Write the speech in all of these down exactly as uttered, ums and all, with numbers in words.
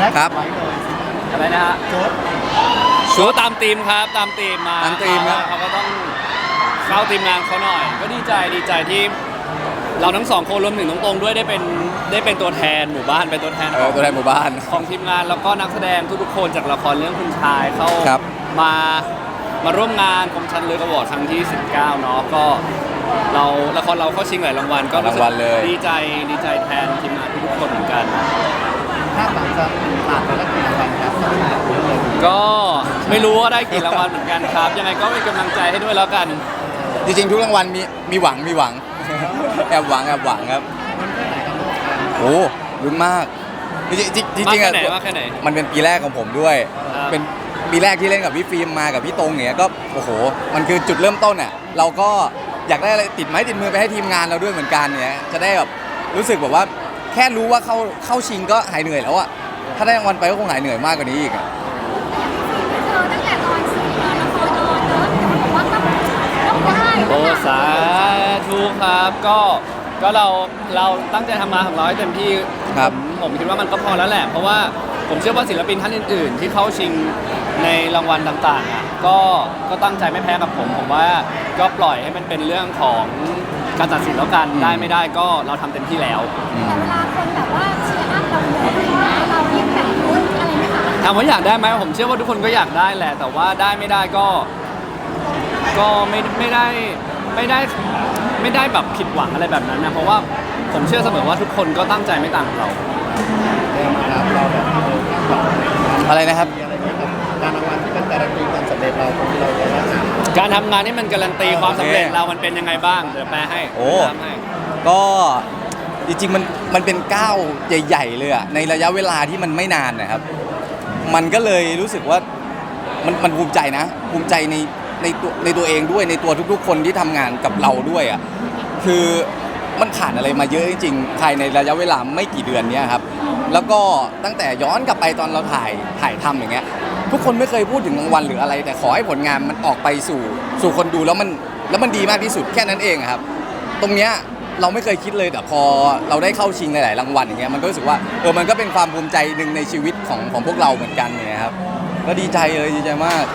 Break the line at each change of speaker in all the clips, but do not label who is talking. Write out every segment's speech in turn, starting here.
ครับ
อะไรนะฮะชุดชุดตามธีมครับตามธีมมา
ตามธีมครับ
เขาก็ต้องเข้าทีมงานเขาหน่อย ก็ดีใจดีใจที่เราทั้งสองคนรวมถึงน้องตรงด้วยได้เป็นได้เป็นตัวแทนหมู่บ้านเป็นตัวแทน
เออตัวแทนหมู่บ้าน
ของทีมงานแล้วก็นักแสดงทุกๆคนจากละครเรื่องคุณชายเข้า
ครับ
มามาร่วมงานคมชันเลือกอวอร์ดครั้งที่สิบเก้าเนาะก็เราละครเราเข้าชิงหลายรางวัลก็รู้สึก
รางวัลเลย
ดีใจดีใจแทนทีมงานทุกๆคนเหมือนกัน
ถ้าหลังจากผ่านไปแล้วกี่รางวัลครับต้องผ่านเยอะเลย
ก็ไม่รู้ว่าได้กี่รางวัลเหมือนกันครับ ยังไงก็เป็นกำลังใจให้ด้วยแล้วกัน
จริงๆทุกรางวัลมีมีหวังมีหวัง แอบหวังแอบหวังครับโอ้ลุ้นมากจริงๆจริงๆจริงๆ
มาก
อะ
แค่ไหนมากแค่ไหน
มันเป็นปีแรกของผมด้วย
ครับ
เป็นปีแรกที่เล่นกับพี่ฟิล์มมากับพี่ตรงเนี่ยก็โอ้โหมันคือจุดเริ่มต้นอ่ะเราก็อยากได้อะไรติดไม้ติดมือไปให้ทีมงานเราด้วยเหมือนกันเนี่ยจะได้แบบรู้สึกแบบว่าแค่รู้ว่าเข้าเข้าชิงก็หายเหนื่อยแล้วอ่ะถ้าได้รางวัลไปก็คงหายเหนื่อยมากกว่านี้อีกอะ
เจอตั้งแต่ตอนซีรีส์ละครออนเนอะแต่ว่าต้องต้องได้
โอ้สาธุครับก็ก็เราเราตั้งใจทำงานของเราให้เต็มที่
ครับ
ผมผมคิดว่ามันก็พอแล้วแหละ เพราะว่าผมเชื่อว่าศิลปินท่านอื่น ๆ ที่เข้าชิงในรางวัลต่างๆอ่ะก็ก็ตั้งใจไม่แพ้กับผม ผมว่าก็ปล่อยให้มันเป็นเรื่องของการตัดสินแล้วกันได้ไม่ได้ก็เราทำเต็มที่แล้ว
แต่เวลาคนแบบว่าเชียร์อัพเราเยอะอะไรอย่างเงี้ยเรายิ่งแบบลุ้นอะไรไหมคะ
ถามว่าอยากได้ไหมผมเชื่อว่าทุกคนก็อยากได้แหละ แต่ว่าได้ไม่ได้ก็ ก็ไม่ไม่ได้ไม่ได้ไม่ได้แบบผิดหวังอะไรแบบนั้นนะเพราะว่าผมเชื่อเสมอว่าทุกคนก็ตั้งใจไม่ต่างกับเรา
ได้มารับเราแบบเออคาดหวัง
อะไรนะครับ
มีอะไรเงี้ยครับการรางวัลที่มันการันตีความสำเร็จเราตรงที่เราได้รับ
การทำงานนี่มันการันตีความสำเร็จเรามันเป็นยังไงบ้างเดี๋ยวแปลให้
โอ้
ตามให้
ก็จริงๆมันมันเป็นก้าวใหญ่ๆเลยอะในระยะเวลาที่มันไม่นานนะครับ มันก็เลยรู้สึกว่ามันมันภูมิใจนะ ภูมิใจในในตัวในตัวเองด้วยในตัวทุกๆ คนที่ทำงานกับเราด้วยอะคือมันผ่านอะไรมาเยอะจริงๆภายในระยะเวลาไม่กี่เดือนเนี้ยครับ แล้วก็ตั้งแต่ย้อนกลับไปตอนเราถ่ายถ่ายทำอย่างเงี้ย ทุกคนไม่เคยพูดถึงรางวัลหรืออะไร แต่ขอให้ผลงานมันออกไปสู่สู่คนดูแล้วมันแล้วมันดีมากที่สุดแค่นั้นเองอะครับ ตรงเนี้ยเราไม่เคยคิดเลยแต่พอเราได้เข้าชิงหลายๆรางวัลอย่างเงี้ยมันก็รู้สึกว่าเออมันก็เป็นความภูมิใจหนึ่งในชีวิตของของพวกเราเหมือนกันเนี่ยครับก็ดีใจเลยดีใจมาก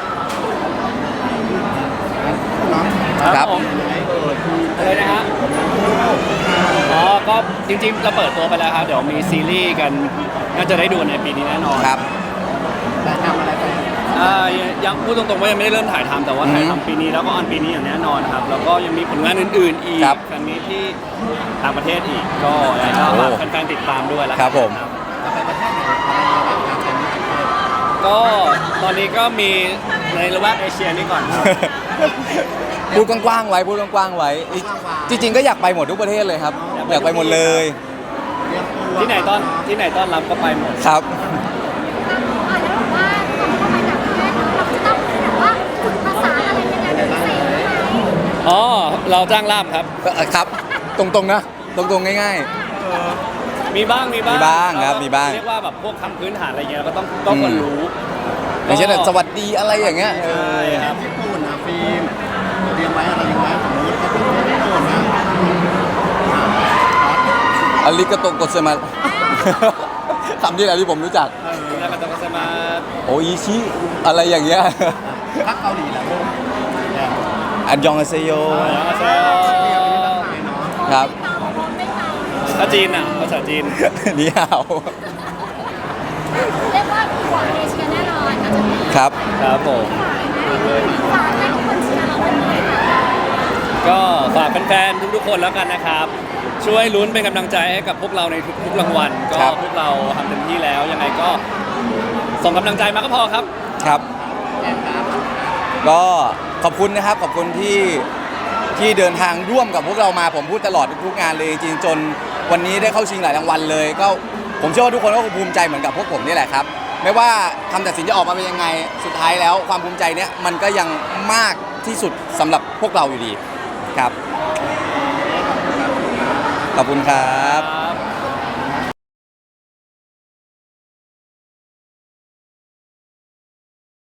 ครับ
ผมอะไรนะฮะอ๋อก็จริงๆเราเปิดตัวไปแล้วครับเดี๋ยวมีซีรีส์กันน่าจะได้ดูในปีนี้แน่นอน
ครับ
ได้ทำอะไรไป
อ่ายังพูดตรงๆว่ายังไม่ได้เริ่มถ่ายทำแต่ว่าถ่าย
อือฮึ
ทำปีนี้แล้วก็ออนปีนี้อย่างแน่นอนครับแล้วก็ยังมีผลงานอื่นๆอีก
ครับ
ครั้งนี้ที่ต่างประเทศอีกก็อยากจะ
โอ้
ฝากแฟนๆติดตามด้วยแล้วกัน
ครับผม
จะไปประเทศไหนอะไรยังไงบ้างครับเป็นประเทศ
ก็ตอนนี้ก็มีในระแวกเอเชียนี่ก่อนครับ
พูดกว้างๆไว้พูดกว้างๆไว้ จริงๆก็อยากไปหมดทุกประเทศเลยครับ อยากไปหมดเลย
เรียกตัว
ที่ไหนต้อนที่ไหนต้อนรับก็ไปหมด
ครับ
อ่าแล้วบอกว่าก่อนเข้าไปต่างประเทศเนอะเราจะต้องแบบว่าฝึกภาษาอะไรยังไงเป็นพิเศษไหม
อ๋อเราจ้างล่ามครับ
ครับ ตรงๆนะ ตรงๆง่าย
มีบ้างมีบ้าง
มีบ้างครับ
เก็
มีบ้าง
เรียกว่าแบบพวกคำพื้นฐานอะไรเงี้ยเราก็ต้องต้องควรรู้
ๆอย่างเช่นแบบสวัสดีอะไรอย่างเงี้ยเอ
ใช่
อ
ครับ
ญี่ปุ่นนะฟิล์มเตรียมไว้อะไรยังไงสมมติถ้าเป็นญี่ปุ่นนะ
อาริกาโตโกเซมา คำที่อะไรที่ผมรู้จัก
แล้วก็ต้องมา
โออิชิอะไรอย่างเงี้ย
พักเกาหลีแหละลูก
อันยองอาเซโย
เซล
ครับ
ภาษาจีนอ่ะภาษาจีน
นี่ฮาว
เรียกว่าดีกว่าเอเชียแน่นอนอาจจะมี
ครับ
ครับผม
ฝากให้ทุกคนเชียร์เราวันนี้ค่ะ
ก็ฝากแฟนๆทุกๆคนแล้วกันนะครับ ช่วยลุ้นเป็นกำลังใจให้กับพวกเราในทุกๆรางวัลก็
ครับ
พวกเราทำเต็มที่แล้วยังไงก็ส่งกำลังใจมาก็พอครับ
ครับ ก็ขอบคุณนะครับ ขอบคุณที่ที่เดินทางร่วมกับพวกเรามาผมพูดตลอดทุกงานเลยจริงๆจนวันนี้ได้เข้าชิงหลายรางวัลเลย ก็ผมเชื่อว่าทุกคนก็คงภูมิใจเหมือนกับพวกผมนี่แหละครับ ไม่ว่าคำตัดสินจะออกมาเป็นยังไงสุดท้ายแล้วความภูมิใจเนี้ยมันก็ยังมากที่สุดสำหรับพวกเราอยู่ดีครับ ขอบคุณครับ